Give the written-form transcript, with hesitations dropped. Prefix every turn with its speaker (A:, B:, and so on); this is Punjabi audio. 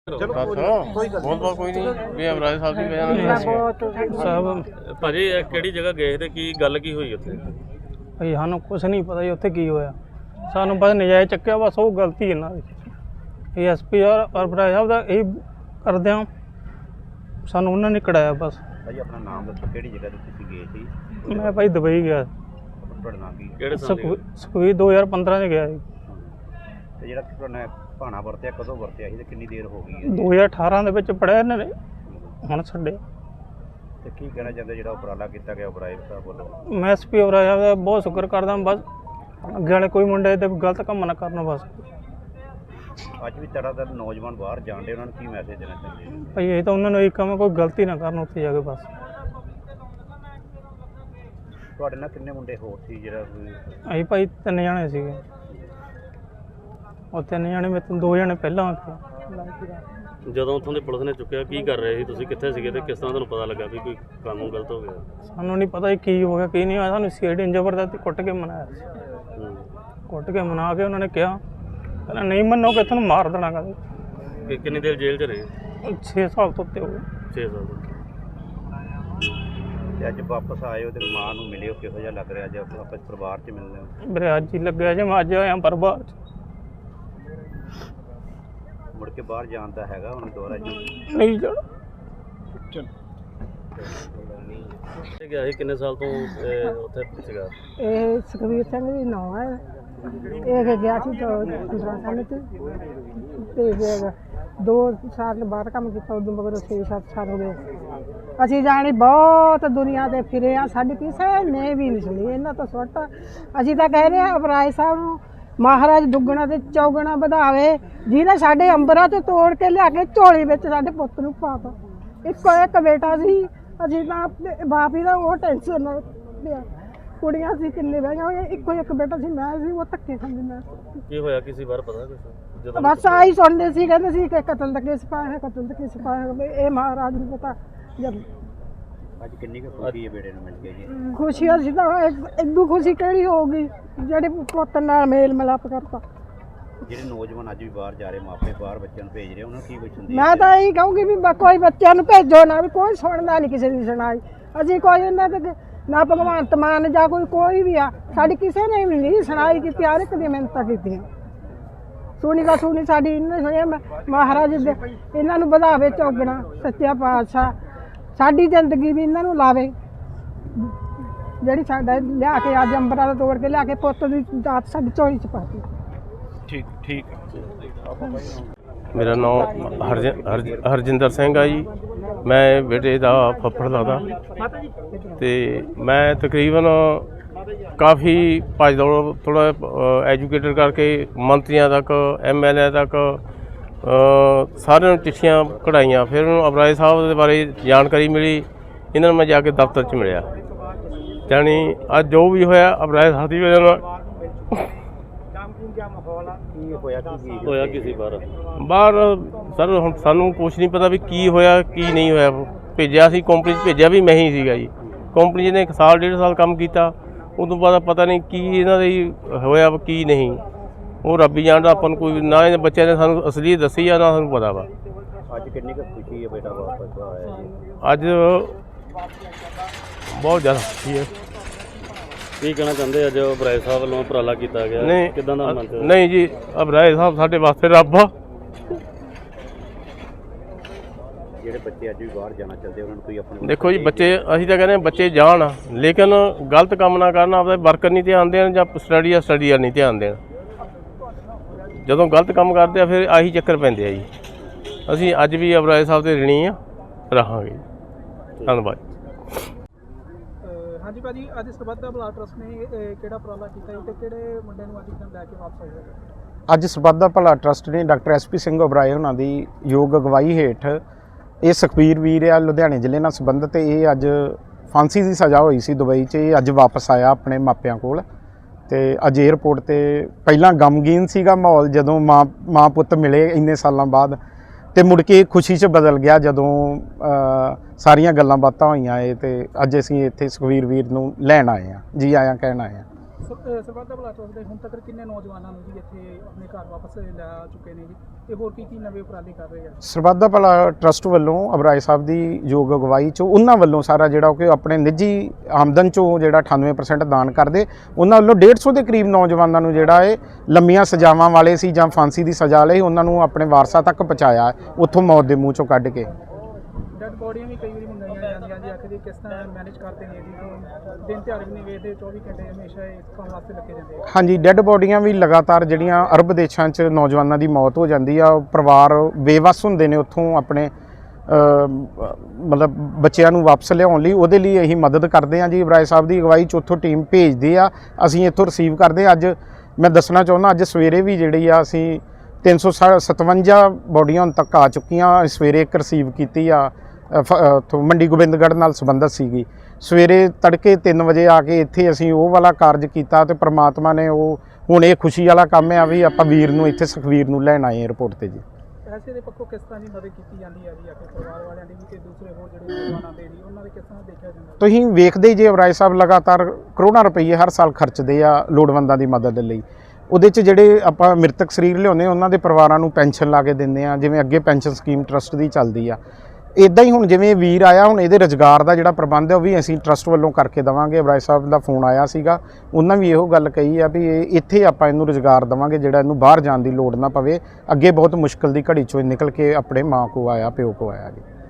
A: ਚਲੋ ਬਹੁਤ ਕੋਈ ਨਹੀਂ ਵੀ ਅਮਰਾਜ ਸਾਹਿਬ ਦੀ ਵਜ੍ਹਾ ਨਾਲ
B: ਸਾਹਿਬ
C: ਭਾਜੀ ਇਹ ਕਿਹੜੀ ਜਗ੍ਹਾ ਗਏ ਤੇ ਕੀ ਗੱਲ ਕੀ ਹੋਈ ਉੱਥੇ?
B: ਭਾਈ ਸਾਨੂੰ ਕੁਝ ਨਹੀਂ ਪਤਾ ਜੀ ਉੱਥੇ ਕੀ ਹੋਇਆ। ਸਾਨੂੰ ਬਸ ਨਜਾਇਜ਼ ਚੱਕਿਆ, ਬਸ ਉਹ ਗਲਤੀ ਇਹਨਾਂ ਦੀ। ਇਹ ਐਸਪੀ ਔਰ ਅਮਰਾਜ ਸਾਹਿਬ ਦਾ ਇਹ ਕਰਦੇ ਹਾਂ, ਸਾਨੂੰ ਉਹਨਾਂ ਨੇ ਕਢਾਇਆ ਬਸ।
D: ਭਾਜੀ ਆਪਣਾ ਨਾਮ ਦੱਸੋ, ਕਿਹੜੀ ਜਗ੍ਹਾ ਤੇ ਤੁਸੀਂ ਗਏ ਸੀ?
B: ਮੈਂ ਭਾਈ ਦੁਬਈ ਗਿਆ,
D: ਤੁਹਾਡਾ ਨਾਮ ਕੀ?
C: ਕਿਹੜੇ ਸਾਲ ਦੀ?
B: ਸਕੂਈ 2015 ਚ ਗਿਆ ਜੀ।
D: ਤੇ ਜਿਹੜਾ ਤੁਹਾਡਾ ਭਾਣਾ ਵਰਤਿਆ ਕਦੋਂ ਵਰਤਿਆ ਸੀ ਤੇ ਕਿੰਨੀ ਦੇਰ ਹੋ ਗਈ ਹੈ?
B: 2018 ਦੇ ਵਿੱਚ ਪੜਿਆ ਇਹਨਾਂ ਨੇ, ਹੁਣ ਛੱਡੇ।
D: ਤੇ ਕੀ ਕਹਿਣਾ ਚਾਹੁੰਦੇ ਜਿਹੜਾ ਉਪਰਾਲਾ ਕੀਤਾ ਗਿਆ ਅਮਰਾਜ ਸਾਹਿਬ ਵੱਲੋਂ?
B: ਮੈਂ ਐਸਪੀ ਅਮਰਾਜ ਸਾਹਿਬ ਦਾ ਬਹੁਤ ਸ਼ੁਕਰ ਕਰਦਾ, ਬਸ ਅੱਗੇ ਵਾਲੇ ਕੋਈ ਮੁੰਡੇ ਤੇ ਗਲਤ ਕੰਮ ਨਾ ਕਰਨ ਬਸ।
D: ਅੱਜ ਵੀ ਤੜਾਤੜ ਨੌਜਵਾਨ ਬਾਹਰ ਜਾਂਦੇ, ਉਹਨਾਂ ਨੂੰ ਕੀ ਮੈਸੇਜ ਦੇਣਾ ਚਾਹੁੰਦੇ ਹੋ?
B: ਭਾਈ ਇਹ ਤਾਂ ਉਹਨਾਂ ਨੂੰ ਇੱਕ ਕੰਮ, ਕੋਈ ਗਲਤੀ ਨਾ ਕਰਨ ਉੱਥੇ ਜਾ ਕੇ ਬਸ।
D: ਤੁਹਾਡੇ ਨਾਲ ਕਿੰਨੇ ਮੁੰਡੇ ਹੋਰ ਸੀ ਜਿਹੜਾ
B: ਅਸੀਂ ਭਾਈ 3 ਜਣੇ ਸੀਗੇ, ਉਹ 3 ਜਣੇ ਮੇਰੇ ਤੋਂ 2 ਜਣੇ ਪਹਿਲਾਂ
C: ਜਦੋਂ ਉੱਥੋਂ ਦੀ ਪੁਲਿਸ ਨੇ ਚੁੱਕਿਆ ਕੀ ਕਰ ਰਹੇ ਸੀ ਤੁਸੀਂ, ਕਿੱਥੇ ਸੀਗੇ ਤੇ ਕਿਸ ਤਰ੍ਹਾਂ ਤੁਹਾਨੂੰ ਪਤਾ ਲੱਗਾ ਵੀ ਕੋਈ ਕੰਮ ਗਲਤ ਹੋ ਗਿਆ?
B: ਸਾਨੂੰ ਨਹੀਂ ਪਤਾ ਕੀ ਹੋ ਗਿਆ ਕੀ ਨਹੀਂ ਹੋਇਆ। ਸਾਨੂੰ ਸੀਆਈਡੀ ਜ਼ਬਰਦਸਤੀ ਕੁੱਟ ਕੇ ਮਨਾਇਆ ਸੀ। ਕੁੱਟ ਕੇ ਮਨਾ ਕੇ ਉਹਨਾਂ ਨੇ ਕਿਹਾ ਕਹਿੰਦਾ ਨਹੀਂ ਮੰਨੋਗੇ ਤੁਹਾਨੂੰ ਮਾਰ ਦੇਣਾ। ਕਹਿੰਦੇ
C: ਕਿੰਨੀ ਦੇਰ ਜੇਲ੍ਹ 'ਚ ਰਹੇ?
B: 6 ਸਾਲ ਤੋਂ ਉੱਤੇ ਹੋ ਗਏ।
C: 6 ਸਾਲ ਤੋਂ।
D: ਤੇ ਅੱਜ ਵਾਪਸ ਆਏ ਹੋ ਤੇ ਮਾਂ ਨੂੰ ਮਿਲਿਓ, ਕਿਹੋ ਜਿਹਾ ਲੱਗ ਰਿਹਾ ਅੱਜ ਵਾਪਸ ਪਰਿਵਾਰ 'ਚ ਮਿਲਦੇ ਹੋ?
B: ਮੇਰੇ ਅੱਜ ਹੀ ਲੱਗਿਆ ਜੇ ਮੈਂ ਅੱਜ ਆਇਆ ਪਰਿਵਾਰ 'ਚ।
D: ਮੁੜ ਕੇ ਬਾਹਰ ਜਾਣ ਦਾ ਹੈਗਾ ਹੁਣ ਦੁਬਾਰਾ ਜੀ?
B: ਨਹੀਂ ਜਾਣਾ।
C: ਤੇ ਗਿਆ ਸੀ ਕਿੰਨੇ ਸਾਲ ਤੋਂ ਉੱਥੇ ਸੀਗਾ?
E: ਇਹ ਸੁਖਵੀਰ ਸਿੰਘ ਦੀ ਨਾਂ ਹੈ। ਇਹ ਗਿਆ ਸੀ 15 ਸਾਲ ਤੇ ਫਿਰ 2 ਸਾਲ ਬਾਅਦ ਕੰਮ ਕੀਤਾ, ਉਦੋਂ ਮਗਰ 6-7 ਸਾਲ ਹੋ ਗਏ। ਅਸੀਂ ਜਾਣੀ ਬਹੁਤ ਦੁਨੀਆ ਤੇ ਫਿਰੇ ਆ, ਸਾਡੀ ਕਿਸੇ ਨੇ ਵੀ ਨਹੀਂ ਸੁਣੀ ਇਹਨਾਂ ਤੋਂ ਸੁੱਟ। ਅਸੀਂ ਤਾਂ ਕਹਿ ਰਹੇ ਹਾਂ ਅਮਰਾਜ ਸਾਹਿਬ ਨੂੰ ਮਹਾਰਾਜ ਦੁੱਗਣਾ ਤੇ ਚੌਗਣਾ ਵਧਾਵੇ, ਜਿਹਨੇ ਸਾਡੇ ਅੰਬਰਾਂ ਤੋਂ ਤੋੜ ਕੇ ਲਿਆ ਕੇ ਝੋਲੀ ਵਿੱਚ ਸਾਡੇ ਪੁੱਤ ਨੂੰ ਪਾਤਾ। ਇੱਕੋ ਇੱਕ ਬੇਟਾ ਸੀ, ਅਸੀਂ ਤਾਂ ਬਾਪ ਹੀ ਦਾ ਉਹ ਟੈਨਸ਼ਨ ਨਾਲ ਲਿਆ। ਕੁੜੀਆਂ ਸੀ ਕਿੰਨੇ ਬਹਿਆਂ ਹੋਈਆਂ, ਇੱਕੋ ਇੱਕ ਬੇਟਾ ਸੀ, ਮੈਂ ਸੀ, ਉਹ ਧੱਕੇ ਖਾਂਦੀ ਮੈਂ।
C: ਕੀ ਹੋਇਆ ਕਿਸੇ ਵਾਰ ਪਤਾ ਕੁਛ? ਜਦੋਂ
E: ਬਸ ਆਹੀ ਸੁਣਦੇ ਸੀ, ਕਹਿੰਦੇ ਸੀ ਕਿ ਕਤਲ ਦਾ ਕੇਸ ਪਾਇਆ ਹੈ, ਕਤਲ ਦਾ ਕੇਸ ਪਾਇਆ ਹੈ। ਇਹ ਮਹਾਰਾਜ ਨੂੰ ਪਤਾ। ਜਦ
D: ਅੱਜ ਕਿੰਨੀ ਕੁ ਖੁਸ਼ੀ ਹੈ ਬੇੜੇ ਨੂੰ ਮਿਲ ਕੇ ਜੀ?
E: ਖੁਸ਼ੀ ਅਸੀਂ ਤਾਂ ਇਦੋਂ ਖੁਸ਼ੀ ਕਿਹੜੀ ਹੋਊਗੀ ਜਿਹੜੇ ਪੁੱਤ ਨਾਲ ਮੇਲ ਮਿਲਾਪ ਕਰਤਾ।
D: ਜਿਹੜੇ ਨੌਜਵਾਨ ਅੱਜ ਵੀ ਬਾਹਰ ਜਾ ਰਹੇ, ਮਾਪੇ ਬਾਹਰ ਬੱਚਿਆਂ ਨੂੰ ਭੇਜ ਰਹੇ, ਉਹਨਾਂ ਨੂੰ ਕੀ ਕੁਛ ਹੁੰਦੀ?
E: ਮੈਂ ਤਾਂ ਇਹੀ ਕਹੂੰਗੀ ਵੀ ਕੋਈ ਬੱਚਿਆਂ ਨੂੰ ਭੇਜੋ ਨਾ, ਵੀ ਕੋਈ ਸੁਣਦਾ ਨਹੀਂ ਕਿਸੇ ਦੀ ਸੁਣਾਈ। ਅਸੀਂ ਕੋਈ ਇਹਨਾਂ ਤੇ ਨਾ ਭਗਵੰਤ ਮਾਨ ਜਾਂ ਕੋਈ ਵੀ ਆ, ਸਾਡੀ ਕਿਸੇ ਨੇ ਵੀ ਨਹੀਂ ਸੁਣਾਈ ਕੀਤੀ। ਹਰ ਇੱਕ ਦੀ ਮਿਹਨਤਾਂ ਕੀਤੀਆਂ, ਸੁਣੀ ਦਾ ਸੁਣੀ ਸਾਡੀ ਇਹਨੇ ਸੁਣਿਆ। ਮਹਾਰਾਜ ਦੇ ਇਹਨਾਂ ਨੂੰ ਵਧਾਵੇ ਚੌਗਣਾ, ਸੱਚਾ ਪਾਤਸ਼ਾਹ ਸਾਡੀ ਜ਼ਿੰਦਗੀ ਵੀ ਇਹਨਾਂ ਨੂੰ ਲਾਵੇ। ਜਿਹੜੀ ਸਾਡਾ ਲਿਆ ਕੇ ਅੱਜ ਅੰਬਰਾਂ ਦਾ ਤੋੜ ਕੇ ਲਿਆ ਕੇ ਪੁੱਤ ਦੀ ਦਾਤ ਸਾਡੀ ਝੋਲੀ 'ਚ ਪਾਤੀ।
D: ਠੀਕ
A: ਮੇਰਾ ਨਾਮ ਹਰਜਿੰਦਰ ਸਿੰਘ ਆ ਜੀ। ਮੈਂ ਬੇਟੇ ਦਾ ਫੱਫੜ ਲੱਗਦਾ ਤੇ ਮੈਂ ਤਕਰੀਬਨ ਕਾਫੀ ਭੱਜ ਦੌੜ ਥੋੜ੍ਹਾ ਐਜੂਕੇਟਡ ਕਰਕੇ ਮੰਤਰੀਆਂ ਤੱਕ, MLA ਤੱਕ ਸਾਰਿਆਂ ਨੂੰ ਚਿੱਠੀਆਂ ਕਢਾਈਆਂ। ਫਿਰ ਉਹਨੂੰ ਅਮਰਾਜ ਸਾਹਿਬ ਦੇ ਬਾਰੇ ਜਾਣਕਾਰੀ ਮਿਲੀ, ਇਹਨਾਂ ਨੂੰ ਮੈਂ ਜਾ ਕੇ ਦਫ਼ਤਰ 'ਚ ਮਿਲਿਆ। ਜਾਣੀ ਅੱਜ ਜੋ ਵੀ ਹੋਇਆ ਅਮਰਾਜ ਸਾਹਿਬ ਦੀ ਵਜ੍ਹਾ ਨਾਲ
D: ਕੀ
C: ਹੋਇਆ ਕਿਸੇ ਵਾਰ?
A: ਬਾਹਰ ਸਰ ਹੁਣ ਸਾਨੂੰ ਕੁਛ ਨਹੀਂ ਪਤਾ ਵੀ ਕੀ ਹੋਇਆ ਕੀ ਨਹੀਂ ਹੋਇਆ। ਭੇਜਿਆ ਸੀ ਕੰਪਨੀ 'ਚ, ਭੇਜਿਆ ਵੀ ਮੈਂ ਹੀ ਸੀਗਾ ਜੀ। ਕੰਪਨੀ ਨੇ 1 ਸਾਲ 1.5 ਸਾਲ ਕੰਮ ਕੀਤਾ, ਉਦੋਂ ਬਾਅਦ ਪਤਾ ਨਹੀਂ ਕੀ ਇਹਨਾਂ ਦੀ ਹੋਇਆ ਕੀ ਨਹੀਂ, ਉਹ ਰੱਬ ਹੀ ਜਾਣਦਾ। ਆਪਾਂ ਨੂੰ ਕੋਈ ਨਾ ਇਹਨਾਂ ਬੱਚਿਆਂ ਨੇ ਸਾਨੂੰ ਅਸਲੀ ਦੱਸੀ ਆ ਨਾ ਸਾਨੂੰ ਪਤਾ ਵਾ।
D: ਅੱਜ ਕਿੰਨੀ ਕੁ ਖੁਸ਼ੀ ਹੈ ਬੇਟਾ ਵਾਪਸ ਆਇਆ ਜੀ?
A: ਅੱਜ ਬਹੁਤ ਜ਼ਿਆਦਾ ਖੁਸ਼ੀ ਹੈ।
C: ਕੀ ਕਹਿਣਾ ਚਾਹੁੰਦੇ ਅੱਜ ਅਮਰਾਜ ਸਾਹਿਬ ਵੱਲੋਂ ਉਪਰਾਲਾ ਕੀਤਾ ਗਿਆ?
A: ਨਹੀਂ
C: ਕਿੱਦਾਂ ਦਾ ਮੰਨਦੇ ਹੋ?
A: ਨਹੀਂ ਜੀ, ਅਮਰਾਜ ਸਾਹਿਬ ਸਾਡੇ ਵਾਸਤੇ ਰੱਬ ਆ।
D: ਜਿਹੜੇ ਬੱਚੇ ਅੱਜ ਵੀ ਬਾਹਰ ਜਾਣਾ ਚਾਹੁੰਦੇ ਉਹਨਾਂ ਨੂੰ ਕੋਈ ਆਪਣੇ
A: ਦੇਖੋ ਜੀ, ਬੱਚੇ ਅਸੀਂ ਤਾਂ ਕਹਿੰਦੇ ਬੱਚੇ ਜਾਣ, ਲੇਕਿਨ ਗਲਤ ਕੰਮ ਨਾ ਕਰਨ, ਆਪਦੇ ਵਰਕਰ ਨਹੀਂ ਧਿਆਨ ਦੇਣ ਜਾਂ ਸਟੱਡੀ ਵੱਲ ਨਹੀਂ ਧਿਆਨ ਦੇਣ। ਜਦੋਂ ਗਲਤ ਕੰਮ ਕਰਦੇ ਆ ਫਿਰ ਆਹੀ ਚੱਕਰ ਪੈਂਦੇ ਆ ਜੀ। ਅਸੀਂ ਅੱਜ ਵੀ ਅਮਰਾਜ ਸਾਹਿਬ ਦੇ ਰਿਣੀ ਆ, ਰਹਾਂਗੇ। ਧੰਨਵਾਦ।
B: ਹਾਂਜੀ ਭਾਜੀ, ਅੱਜ ਸਰਬੱਤ ਦਾ ਭਲਾ ਟਰੱਸਟ ਨੇ ਕਿਹੜਾ ਉਪਰਾਲਾ ਕੀਤਾ ਤੇ ਕਿਹੜੇ ਮੁੰਡੇ ਨੂੰ ਅੱਜ ਲੈ ਕੇ ਵਾਪਸ ਆਏ?
F: ਅੱਜ ਸਰਬੱਤ ਦਾ ਭਲਾ ਟਰੱਸਟ ਨੇ ਡਾਕਟਰ SP ਸਿੰਘ ਓਬਰਾਏ ਉਹਨਾਂ ਦੀ ਯੋਗ ਅਗਵਾਈ ਹੇਠ, ਇਹ ਸੁਖਬੀਰ ਵੀਰ ਆ ਲੁਧਿਆਣੇ ਜ਼ਿਲ੍ਹੇ ਨਾਲ ਸੰਬੰਧਿਤ, ਇਹ ਅੱਜ ਫਾਂਸੀ ਦੀ ਸਜ਼ਾ ਹੋਈ ਸੀ ਦੁਬਈ 'ਚ, ਇਹ ਅੱਜ ਵਾਪਸ ਆਇਆ ਆਪਣੇ ਮਾਪਿਆਂ ਕੋਲ। ਤੇ ਅੱਜ ਏਅਰਪੋਰਟ ਤੇ ਪਹਿਲਾਂ ਗਮਗੀਨ ਸੀਗਾ ਮਾਹੌਲ ਜਦੋਂ ਮਾਂ ਪੁੱਤ ਮਿਲੇ ਇੰਨੇ ਸਾਲਾਂ ਬਾਅਦ, ਤੇ ਮੁੜ ਕੇ ਖੁਸ਼ੀ 'ਚ ਬਦਲ ਗਿਆ ਜਦੋਂ ਸਾਰੀਆਂ ਗੱਲਾਂ ਬਾਤਾਂ ਹੋਈਆਂ। ਤੇ ਅੱਜ ਅਸੀਂ ਇੱਥੇ ਸੁਖਬੀਰ ਵੀਰ ਨੂੰ ਲੈਣ ਆਏ ਹਾਂ, ਜੀ ਆਇਆਂ ਕਹਿਣ ਆਏ ਹਾਂ।
B: ਸਰਬੱਤ ਦਾ ਭਲਾ ਟਰੱਸਟ ਦੇ ਹੁਣ ਤੱਕ ਕਿੰਨੇ ਨੌਜਵਾਨਾਂ ਨੂੰ ਜੀ ਇੱਥੇ ਆਪਣੇ ਘਰ ਵਾਪਸ ਲੈ ਆ ਚੁੱਕੇ ਨੇ ਜੀ ਤੇ ਹੋਰ ਕੀ ਨਵੇਂ ਉਪਰਾਲੇ ਕਰ ਰਹੇ ਆ?
F: ਸਰਬੱਤ ਦਾ ਭਲਾ ਟਰੱਸਟ ਵੱਲੋਂ ਅਬਰਾਏ ਸਾਹਿਬ ਦੀ ਯੋਗ ਅਗਵਾਈ 'ਚ ਉਹਨਾਂ ਵੱਲੋਂ ਸਾਰਾ ਜਿਹੜਾ ਕਿ ਆਪਣੇ ਨਿੱਜੀ ਆਮਦਨ 'ਚੋਂ ਜਿਹੜਾ 98% ਦਾਨ ਕਰਦੇ, ਉਹਨਾਂ ਵੱਲੋਂ 150 ਦੇ ਕਰੀਬ ਨੌਜਵਾਨਾਂ ਨੂੰ ਜਿਹੜਾ ਇਹ ਲੰਮੀਆਂ ਸਜ਼ਾਵਾਂ ਵਾਲੇ ਸੀ ਜਾਂ ਫਾਂਸੀ ਦੀ ਸਜ਼ਾ ਲਈ ਉਹਨਾਂ ਨੂੰ ਆਪਣੇ ਵਾਰਸਾਂ ਤੱਕ ਪਹੁੰਚਾਇਆ, ਉੱਥੋਂ ਮੌਤ ਦੇ ਮੂੰਹ 'ਚੋਂ ਕੱਢ ਕੇ।
B: ਡੈਡ ਬੋਡੀਆਂ ਵੀ ਕਈ ਵਾਰੀ ਮੰਗਾਈਆਂ ਜਾਂਦੀਆਂ ਜੀ, ਆਖਦੇ ਕਿਸ ਤਰ੍ਹਾਂ ਮੈਨੇਜ ਕਰਦੇ ਨੇ ਜੀ, ਦਿਨ ਤਿਉਹਾਰ ਵੀ ਨਹੀਂ ਵੇਖਦੇ, 24 ਘੰਟੇ ਹਮੇਸ਼ਾ ਇਸ ਕੰਮ ਵਾਸਤੇ ਲੱਗੇ ਰਹਿੰਦੇ ਆ।
F: ਹਾਂਜੀ, ਡੈੱਡ ਬੋਡੀਆਂ ਵੀ ਲਗਾਤਾਰ ਜਿਹੜੀਆਂ ਅਰਬ ਦੇਸ਼ਾਂ 'ਚ ਨੌਜਵਾਨਾਂ ਦੀ ਮੌਤ ਹੋ ਜਾਂਦੀ ਆ, ਪਰਿਵਾਰ ਬੇਵੱਸ ਹੁੰਦੇ ਨੇ ਉੱਥੋਂ ਆਪਣੇ ਮਤਲਬ ਬੱਚਿਆਂ ਨੂੰ ਵਾਪਸ ਲਿਆਉਣ ਲਈ, ਉਹਦੇ ਲਈ ਅਸੀਂ ਮਦਦ ਕਰਦੇ ਹਾਂ ਜੀ। ਅਬਰਾਏ ਸਾਹਿਬ ਦੀ ਅਗਵਾਈ 'ਚ ਉੱਥੋਂ ਟੀਮ ਭੇਜਦੇ ਆ, ਅਸੀਂ ਇੱਥੋਂ ਰਿਸੀਵ ਕਰਦੇ ਹਾਂ। ਅੱਜ ਮੈਂ ਦੱਸਣਾ ਚਾਹੁੰਦਾ, ਅੱਜ ਸਵੇਰੇ ਵੀ ਜਿਹੜੀ ਆ ਅਸੀਂ 357 ਬੋਡੀਆਂ ਹੁਣ ਤੱਕ ਆ ਚੁੱਕੀਆਂ। ਸਵੇਰੇ ਇੱਕ ਰਿਸੀਵ ਕੀਤੀ ਆ ਉੱਥੋਂ ਮੰਡੀ ਗੋਬਿੰਦਗੜ੍ਹ ਨਾਲ ਸੰਬੰਧਿਤ ਸੀਗੀ। ਸਵੇਰੇ ਤੜਕੇ 3 ਵਜੇ ਆ ਕੇ ਇੱਥੇ ਅਸੀਂ ਉਹ ਵਾਲਾ ਕਾਰਜ ਕੀਤਾ ਤੇ ਪ੍ਰਮਾਤਮਾ ਨੇ ਉਹ ਹੁਣ ਇਹ ਖੁਸ਼ੀ ਵਾਲਾ ਕੰਮ ਆ ਵੀ ਆਪਾਂ ਵੀਰ ਨੂੰ ਇੱਥੇ ਸੁਖਵੀਰ ਨੂੰ ਲੈਣ ਆਏ ਏਅਰਪੋਰਟ ਤੇ ਜੀ।
B: ਪੈਸੇ ਦੇ ਪੱਖੋਂ ਕਿਸ ਤਰ੍ਹਾਂ ਦੀ ਮਦਦ ਕੀਤੀ ਜਾਂਦੀ ਹੈ ਜੀ, ਆਪਣੇ ਪਰਿਵਾਰ ਵਾਲਿਆਂ ਦੀ ਵੀ ਤੇ ਦੂਸਰੇ ਹੋਰ ਜਿਹੜੇ ਨੌਜਵਾਨਾਂ ਦੇ ਜੀ, ਉਹਨਾਂ ਦੇ ਕਿਸ ਤਰ੍ਹਾਂ ਦੇਖਿਆ ਜਾਂਦਾ?
F: ਤੁਸੀਂ ਵੇਖਦੇ ਹੀ ਜੇ ਅਬਰਾਏ ਸਾਹਿਬ ਲਗਾਤਾਰ ਕਰੋੜਾਂ ਰੁਪਏ ਹਰ ਸਾਲ ਖਰਚਦੇ ਆ ਲੋੜਵੰਦਾਂ ਦੀ ਮਦਦ ਲਈ। ਉਹਦੇ 'ਚ ਜਿਹੜੇ ਆਪਾਂ ਮ੍ਰਿਤਕ ਸਰੀਰ ਲਿਆਉਂਦੇ ਉਹਨਾਂ ਦੇ ਪਰਿਵਾਰਾਂ ਨੂੰ ਪੈਨਸ਼ਨ ਲਾ ਕੇ ਦਿੰਦੇ ਆ, ਜਿਵੇਂ ਅੱਗੇ ਪੈਨਸ਼ਨ ਸਕੀਮ ਟਰਸਟ ਦੀ ਚੱਲਦੀ ਆ। ਇੱਦਾਂ ਹੀ ਹੁਣ ਜਿਵੇਂ ਵੀਰ ਆਇਆ, ਹੁਣ ਇਹਦੇ ਰੁਜ਼ਗਾਰ ਦਾ ਜਿਹੜਾ ਪ੍ਰਬੰਧ ਹੈ ਉਹ ਵੀ ਅਸੀਂ ਟਰਸਟ ਵੱਲੋਂ ਕਰਕੇ ਦੇਵਾਂਗੇ। ਅਬਰਾਏ ਸਾਹਿਬ ਦਾ ਫੋਨ ਆਇਆ ਸੀਗਾ, ਉਹਨਾਂ ਵੀ ਇਹੋ ਗੱਲ ਕਹੀ ਆ ਵੀ ਇੱਥੇ ਆਪਾਂ ਇਹਨੂੰ ਰੁਜ਼ਗਾਰ ਦੇਵਾਂਗੇ, ਜਿਹੜਾ ਇਹਨੂੰ ਬਾਹਰ ਜਾਣ ਦੀ ਲੋੜ ਨਾ ਪਵੇ। ਅੱਗੇ ਬਹੁਤ ਮੁਸ਼ਕਲ ਦੀ ਘੜੀ 'ਚੋਂ ਨਿਕਲ ਕੇ ਆਪਣੇ ਮਾਂ ਕੋ ਆਇਆ, ਪਿਓ ਕੋ ਆਇਆ ਜੀ।